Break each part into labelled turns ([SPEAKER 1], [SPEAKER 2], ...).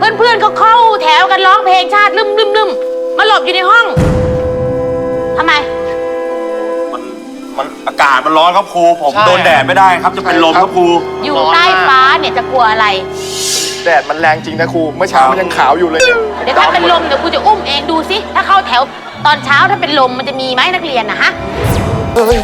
[SPEAKER 1] เพื่อนๆเขาเข้าแถวกันร้องเพลงชาติลืมมาหลบอยู่ในห้องทำไม
[SPEAKER 2] มันอากาศมันร้อนครับครูผมโดนแดดไม่ได้ครับจะเป็นลมครับครู
[SPEAKER 1] อยู่ใต้ฟ้าเนี่ยจะกลัวอะไร
[SPEAKER 3] แดดมันแรงจริงนะครูเมื่อเช้ามันยังขาวอยู่เลย
[SPEAKER 1] เดี๋ยวถ้าเป็นลมเดี๋ยวครูจะอุ้มเองดูสิถ้าเข้าแถวตอนเช้าถ้าเป็นลมมันจะมีไหมนักเรียนนะฮะ
[SPEAKER 3] เฮ้ย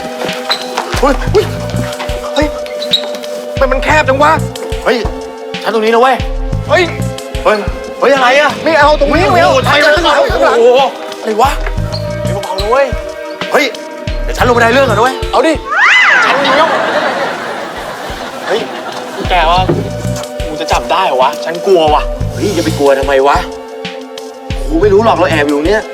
[SPEAKER 3] มันแคบจังวะ
[SPEAKER 2] เฮ้ยชั้นตรงนี้นะเว้ย
[SPEAKER 3] เฮ้ย
[SPEAKER 2] อะไรอะ
[SPEAKER 3] ไม่เอาตรงนี้ไม่เอา
[SPEAKER 2] ไทยข้างหลังโอ้โหอะไรวะเบาๆเลยเว้ยเฮ้ยเดี๋ยวฉันลงไปได้เรื่องก่อนด้วย
[SPEAKER 3] เอาดิ
[SPEAKER 2] ฉันมีแล้วเฮ้ยแกว่ากูจะจับได้เหรอวะฉันกลัวว่ะเฮ้ยอย่าไปกลัวทำไมวะกูไม่รู้หรอกเราแอบอยู่เนี่ย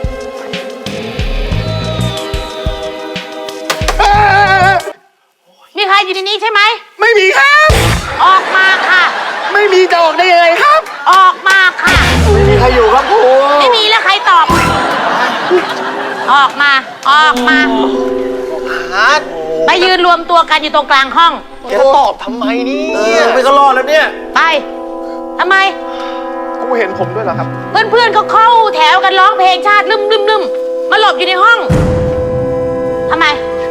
[SPEAKER 1] มีใครอยู่ในนี้ใช่ไหม
[SPEAKER 3] ไม่มีครับ
[SPEAKER 1] ออกมาค่ะ
[SPEAKER 3] ไม่มีจะออกได้ยังไงครับ
[SPEAKER 1] ออกมาค่ะ
[SPEAKER 3] ไม่มีใครอยู่ครับครู
[SPEAKER 1] ไม่มีแล้วใครตอบออกมาไปยืนรวมตัวกันอยู่ตรงกลางห้อง
[SPEAKER 3] จะตอบทำไมนี่
[SPEAKER 2] ไม่ก็รอดแล้วเนี่ย
[SPEAKER 1] ไปทำไม
[SPEAKER 3] ครูเห็นผมด้วยเหรอครับ
[SPEAKER 1] เพื่อนๆเขาเข้าแถวกันร้องเพลงชาติลืมมาหลบอยู่ในห้องทำไม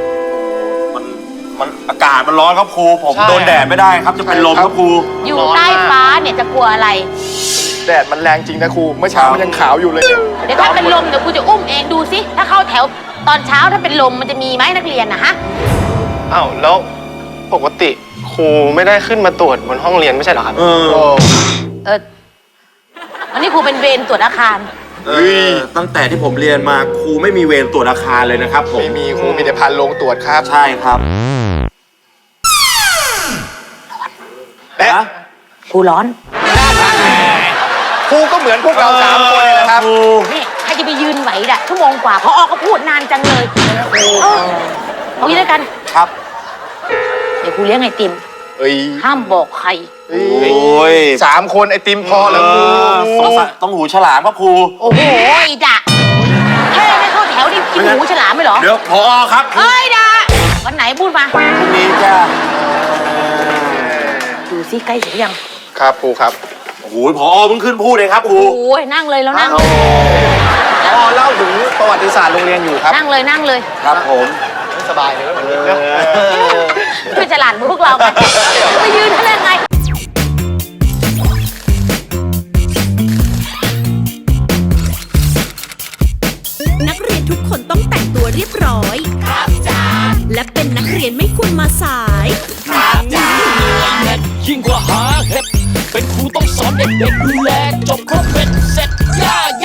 [SPEAKER 2] มันอากาศมันร้อนครับครูผมโดนแดดไม่ได้ครับจะเป็นลมครับครู
[SPEAKER 1] อยู่ใต้ฟ้าเนี่ยจะกลัวอะไร
[SPEAKER 3] แดดมันแรงจริงนะครูเมื่อเช้ามันยังขาวอยู่เลย
[SPEAKER 1] เดี๋ยวถ้าเป็นลมเดี๋ยวครูจะอุ้มเองดูสิถ้าเข้าแถวตอนเช้าถ้าเป็นลมมันจะมีไหมนักเรียนนะฮะ
[SPEAKER 4] อ้าวแล้วปกติครูไม่ได้ขึ้นมาตรวจบนห้องเรียนไม่ใช่เหรอครับ
[SPEAKER 1] วันนี้ครูเป็นเวรตรวจอาคาร
[SPEAKER 2] ตั้งแต่ที่ผมเรียนมาครูไม่มีเวรตรวจอาคารเลยนะครับผม
[SPEAKER 3] ไม่มีครูมีแต่พานลงตรวจครับ
[SPEAKER 2] ใช่ครับ
[SPEAKER 1] ครูร้อน
[SPEAKER 3] ครูก็เหมือนพวกเรา3 คนเลยนะครับ
[SPEAKER 1] นี่ใครจะไปยืนไหวด่ะชั่วโมงกว่าพอก็พูดนานจังเลยเอางี้แล้วกัน
[SPEAKER 2] ครับ
[SPEAKER 1] เดี๋ยวครูเลี้ยงไอติมห้ามบอกใคร
[SPEAKER 3] 3 คนไอติมพอแล้วครู
[SPEAKER 2] ต้องหูฉลามครับครู
[SPEAKER 1] โอ้โหด่ะแค่ไม่เข้าแถวนี่กินหูฉลามไม่หรอ
[SPEAKER 2] เดี๋ยวพอครับ
[SPEAKER 1] ด่ะวันไหนพูดมา
[SPEAKER 2] พรุ่งนี้จ้า
[SPEAKER 1] ดูซิใกล้ถึงยัง
[SPEAKER 3] ครับครูครับ
[SPEAKER 2] โอ้โหพอเพิ่งขึ้นพูดเลยครับครู
[SPEAKER 1] โอ้ยนั่งเลยแล้วนั่ง
[SPEAKER 3] พอเล่าถึงประวัติศาสตร์โรงเรียนอยู่ครับ
[SPEAKER 1] นั่งเลย
[SPEAKER 2] ครับผม
[SPEAKER 3] สบายเลยเหมือนนี้นะ
[SPEAKER 1] ช่วยฉลาดพวกเรากันไปยืนเขาได้ไง
[SPEAKER 5] นักเรียนทุกคนต้องแต่งตัวเรียบร้อยครับจ้าและเป็นนักเรียนไม่ควรมาสายครับจ้า
[SPEAKER 6] ยิ่งกว่าหาเห็ดเป็นครูต้องสอนเด็กๆดูแลจบ